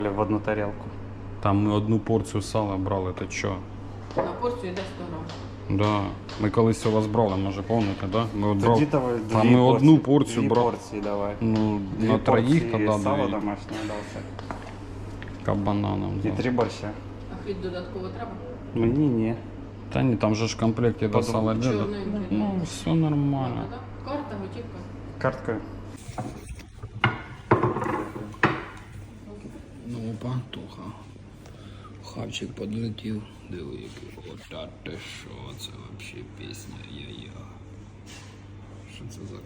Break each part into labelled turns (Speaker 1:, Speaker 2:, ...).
Speaker 1: В одну тарелку.
Speaker 2: Там ми одну порцію сала брали, ти чо?
Speaker 3: На порцію йде 100 грам.
Speaker 2: Да. Ми колись у вас брали, може помните, да? Ми от брали.
Speaker 1: Тоді давай
Speaker 2: А ми одну порцію
Speaker 1: дві
Speaker 2: брали.
Speaker 1: порції давай.
Speaker 2: Ну,
Speaker 1: Дві
Speaker 2: на троїх
Speaker 1: порції
Speaker 2: тоді
Speaker 1: сала
Speaker 2: дві.
Speaker 1: домашнє дався.
Speaker 2: Кабана нам
Speaker 1: І
Speaker 2: взяли.
Speaker 1: 3 борща.
Speaker 3: А хліб додатково треба?
Speaker 1: Мені ні.
Speaker 2: Та ні, там же ж в комплекті до сала йде.
Speaker 3: Чорненький.
Speaker 2: Ну, все нормально.
Speaker 3: Да? Карта, готівка.
Speaker 1: Карткою.
Speaker 2: Ну, опа, Тоха. Хавчик подлетів. Диви, який. Ота ти що, це взагалі пісня я-я. Що це за...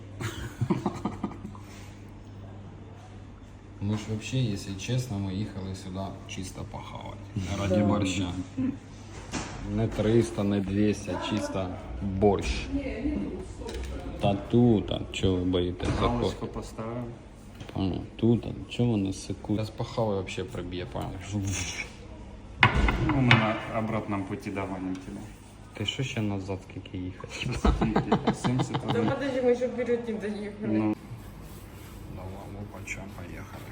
Speaker 2: Ми ж взагалі, якщо чесно, ми їхали сюди чисто похавати. Раді борща. Не 300, не 200, а чисто борщ. Та тут, а чого ви боїтесь заходити?
Speaker 1: Галочку поставимо.
Speaker 2: Понял. Тут, а чого вони секунд? Зараз похаваю вообще проб'є, понял?
Speaker 1: Ну, ми на обратному путі догоним тебе.
Speaker 2: Ти що ще назад скільки їхати?
Speaker 1: 70
Speaker 3: Да подожди, мы еще вперед не доехали.
Speaker 1: Ну,
Speaker 2: Давай, опача, поїхали.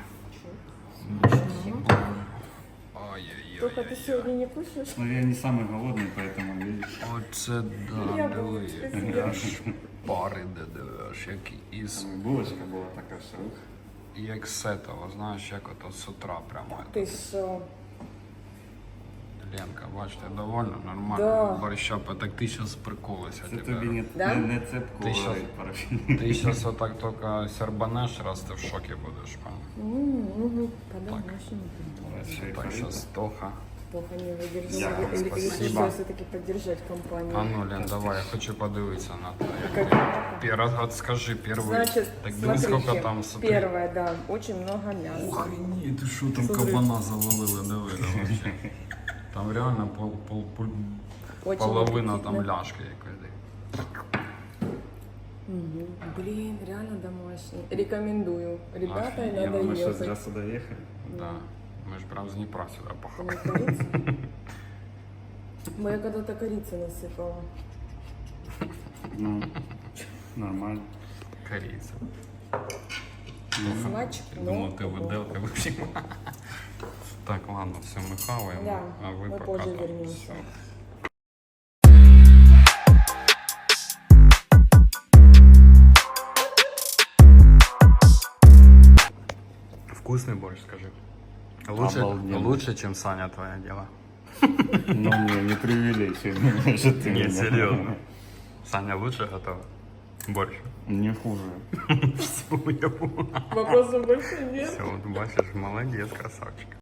Speaker 2: Ай-яй-яй.
Speaker 3: Только ты сегодня не кушаешь?
Speaker 1: ну я не самый голодный, поэтому видишь.
Speaker 2: Оце да,
Speaker 3: Я
Speaker 2: диви.
Speaker 3: буду спасибо.
Speaker 2: Аж пари де дивиш, як із...
Speaker 1: Булочка була така, що ух.
Speaker 2: Як з этого, знаєш, як ото з утра прямо.
Speaker 3: Ты что?
Speaker 2: Ленка, бачите, довольно нормально.
Speaker 3: Да.
Speaker 2: Борща, так ти зараз приколися.
Speaker 1: Це тобі не,
Speaker 3: Да?
Speaker 1: не цепку
Speaker 2: Ти щас-
Speaker 1: парафін.
Speaker 2: Ти зараз отак тільки сербанеш, раз ти в шокі будеш, певно.
Speaker 3: Угу. По-домашнему.
Speaker 2: Так, зараз Тоха.
Speaker 3: Плохо не выдержала.
Speaker 1: Дякую,
Speaker 3: Или
Speaker 1: спасибо.
Speaker 3: решила все-таки поддержать компанию.
Speaker 2: А ну, Лен, давай, я хочу подивитися на те.
Speaker 3: Как
Speaker 2: Раз скажи, перший.
Speaker 3: Значит,
Speaker 2: Так дивись, скільки
Speaker 3: смотрите,
Speaker 2: там, смотри.
Speaker 3: первое, да, очень много мяса.
Speaker 2: Охренеть, ты что там
Speaker 3: Смотри.
Speaker 2: кабана завалили, диви, вообще. Там реально
Speaker 3: Очень
Speaker 2: половина там
Speaker 3: аппетитно.
Speaker 2: ляшки якось.
Speaker 3: Мгм. Блин, реально домашний. Рекомендую. Ребята,
Speaker 2: Офигенно,
Speaker 3: надо
Speaker 1: Мы что,
Speaker 3: ехать.
Speaker 1: зря сюда ехали?
Speaker 2: Да. Ми ж прям з Дніпра сюди
Speaker 3: Ты
Speaker 2: похавали.
Speaker 3: не корица? Я когда-то корицы насыпала.
Speaker 1: Ну, нормально.
Speaker 2: Корейці.
Speaker 3: Смач,
Speaker 2: Думав, ти виделка вип'ємо. Так, ладно, все, ми хаваємо,
Speaker 3: Да,
Speaker 2: а ви
Speaker 3: ми
Speaker 2: пока
Speaker 3: позже
Speaker 2: там.
Speaker 3: вернемся.
Speaker 2: Все. Вкусный борщ, скажи.
Speaker 1: Обалденно.
Speaker 2: Лучше, чем Саня, твое дело.
Speaker 1: Ну, не преувеличивай, что ты
Speaker 2: Не,
Speaker 1: меня.
Speaker 2: серьезно. Саня лучше готов? Борщ.
Speaker 1: Не хуже.
Speaker 2: Все, я понял.
Speaker 3: Вопросов больше нет.
Speaker 2: Все, вот бачишь, молодец, красавчик.